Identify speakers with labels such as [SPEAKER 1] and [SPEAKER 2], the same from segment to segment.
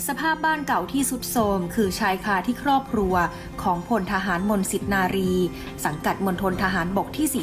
[SPEAKER 1] สภาพบ้านเก่าที่ทรุดโทรมคือชายคาที่ครอบครัวของพลทหารมนต์สิทธินารี สังกัดมณฑลทหารบกที่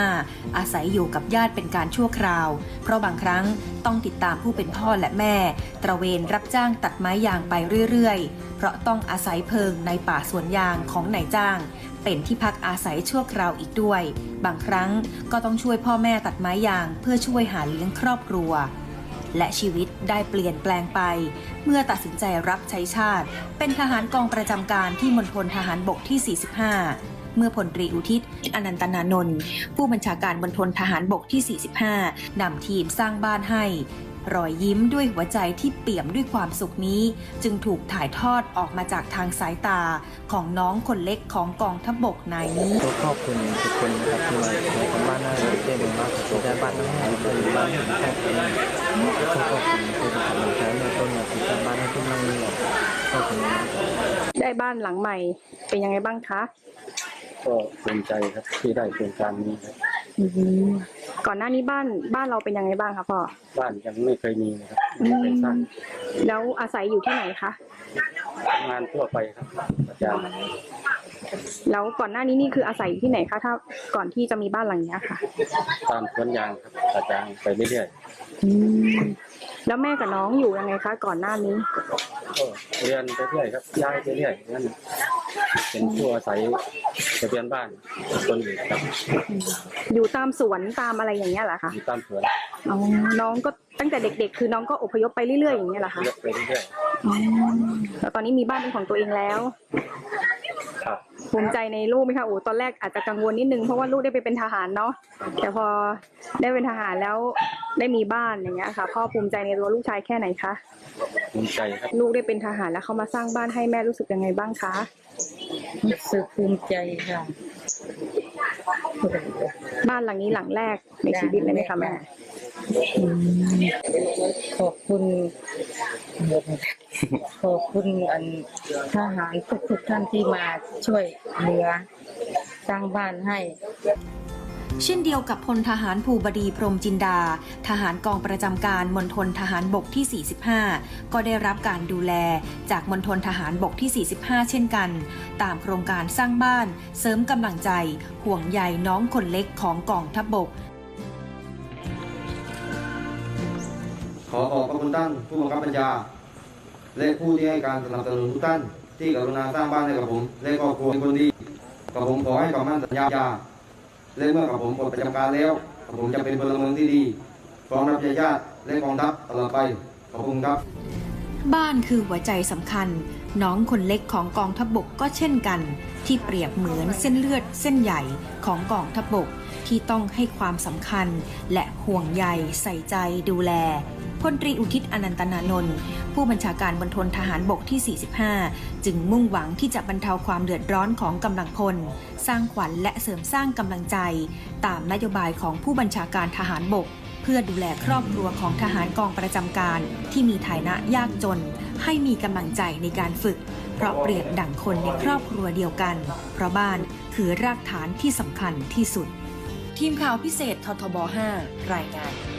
[SPEAKER 1] 45 อาศัยอยู่กับญาติเป็นการชั่วคราว เพราะบางครั้งต้องติดตามผู้เป็นพ่อและแม่ตระเวนรับจ้างตัดไม้ยางไปเรื่อยๆเพราะต้องอาศัยเพิงในป่าสวนยางของนายจ้างเป็นที่พักอาศัยชั่วคราวอีกด้วยบางครั้งก็ต้องช่วยพ่อแม่ตัดไม้ยางเพื่อช่วยหาเลี้ยงครอบครัวและชีวิตได้เปลี่ยนแปลงไปเมื่อตัดสินใจรับใช้ชาติเป็นทหารกองประจำการที่มณฑลทหารบกที่ 45 เมื่อพลตรีอุทิศอนันตนานนท์ผู้บัญชาการมณฑลทหารบกที่ 45 นำทีมสร้างบ้านให้รอยยิ้มด้วยหัวใจที่เปี่ยมด้วยความสุขนี้จึงถูกถ่ายทอดออกมาจากทางสายตาของน้องคนเล็กของกองทัพบกนายนี้
[SPEAKER 2] ขอบคุณทุกคนนะครับที่มาทำบ้านหน้าเลยเต็มมากขอบคุณบ้านหน้าให้เราอยู่บ้านของครอบครัวขอบคุณผู้ทำงานในต้นมาทำบ้านให้ทุกนั่งนี่ขอบคุณ
[SPEAKER 3] ได้บ้านหลังใหม่เป็นยังไงบ้างคะ
[SPEAKER 2] ก็ภูมิใจครับที่ได้โครงการนี้ครับ
[SPEAKER 3] ก่อนหน้านี้บ้านเราเป็นยังไงบ้างคะพ่อ
[SPEAKER 2] บ้านยังไม่เคยมีนะครับไม่เคยสร้าง
[SPEAKER 3] แล้วอาศัยอยู่ที่ไหนคะ
[SPEAKER 2] ทำงานทั่วไปครับอาจารย์
[SPEAKER 3] แล้วก่อนหน้านี้นี่คืออาศัยอยู่ที่ไหนคะถ้าก่อนที่จะมีบ้านหลังนี้ค่ะ
[SPEAKER 2] ตามสวนยางครับอาจารย์ไปเรื่อย
[SPEAKER 3] ๆแล้วแม่กับน้องอยู่ยังไงคะก่อนหน้านี้
[SPEAKER 2] ก็เรียนไปเรื่อยครับย้ายไปเรื่อยนั่นเป็นผู้อาศัยทะเบียนบ้านคนอื่นครับ
[SPEAKER 3] อยู่ตามสวนตามอะไรอย่างเงี้ยเหรอคะ
[SPEAKER 2] อยู่ตามสวน
[SPEAKER 3] น้องก็ตั้งแต่เด็กๆคือน้องก็อพยพไปเรื่อยๆอย่างเงี้ยเหรอคะ
[SPEAKER 2] ไปเรื่อย
[SPEAKER 3] แล้วตอนนี้มีบ้านเป็นของตัวเองแล้ว
[SPEAKER 2] ครับ
[SPEAKER 3] ภูมิใจในลูกไหมคะโอ้ตอนแรกอาจจะกังวลนิดนึงเพราะว่าลูกได้ไปเป็นทหารเนาะแต่พอได้เป็นทหารแล้วได้มีบ้านอย่างเงี้ยค่ะพ่อภูมิใจในตัวลูกชายแค่ไหนคะ
[SPEAKER 2] ภูมิใจครับ
[SPEAKER 3] ลูกได้เป็นทหารแล้วเขามาสร้างบ้านให้แม่รู้สึกยังไงบ้างคะ
[SPEAKER 4] รู้สึกภูมิใจค่ะ
[SPEAKER 3] บ้านหลังนี้หลังแรกในชีวิตเลยไหมคะแม่
[SPEAKER 4] ขอบคุณอันทหารทุกท่านที่มาช่วยเหลือสร้างบ้านให้
[SPEAKER 1] เช่นเดียวกับพลทหารภูบดีพรหมจินดาทหารกองประจำการมณฑลทหารบกที่ 45 ก็ได้รับการดูแลจากมณฑลทหารบกที่ 45 เช่นกันตามโครงการสร้างบ้านเสริมกำลังใจห่วงใยน้องคนเล็กของกองทัพบก
[SPEAKER 5] ขอขอบพระคุณท่านผู้บังคับบัญชาและผู้ที่ให้การสนับสนุนทุกท่านที่กรุณาสร้างบ้านให้กับผมและครอบครัวเป็นคนดีกับผมขอให้คำมั่นสัญญาและเมื่อกับผมปลดประจำการแล้วกับผมจะเป็นพลเมืองที่ดีพร้อมรับใช้ชาติและกองทัพตลอดไปขอบคุณครับ
[SPEAKER 1] บ้านคือหัวใจสำคัญน้องคนเล็กของกองทัพบกก็เช่นกันที่เปรียบเหมือนเส้นเลือดเส้นใหญ่ของกองทัพบกที่ต้องให้ความสำคัญและห่วงใยใส่ใจดูแลพลตรีอุทิศอนันตนานนท์ผู้บัญชาการมณฑลทหารบกที่ 45 จึงมุ่งหวังที่จะบรรเทาความเดือดร้อนของกำลังพลสร้างขวัญและเสริมสร้างกำลังใจตามนโยบายของผู้บัญชาการทหารบกเพื่อดูแลครอบครัวของทหารกองประจำการที่มีฐานะยากจนให้มีกำลังใจในการฝึกเพราะเปรียบดั่งคนในครอบครัวเดียวกันเพราะบ้านคือรากฐานที่สำคัญที่สุดทีมข่าวพิเศษททบ 5 รายงาน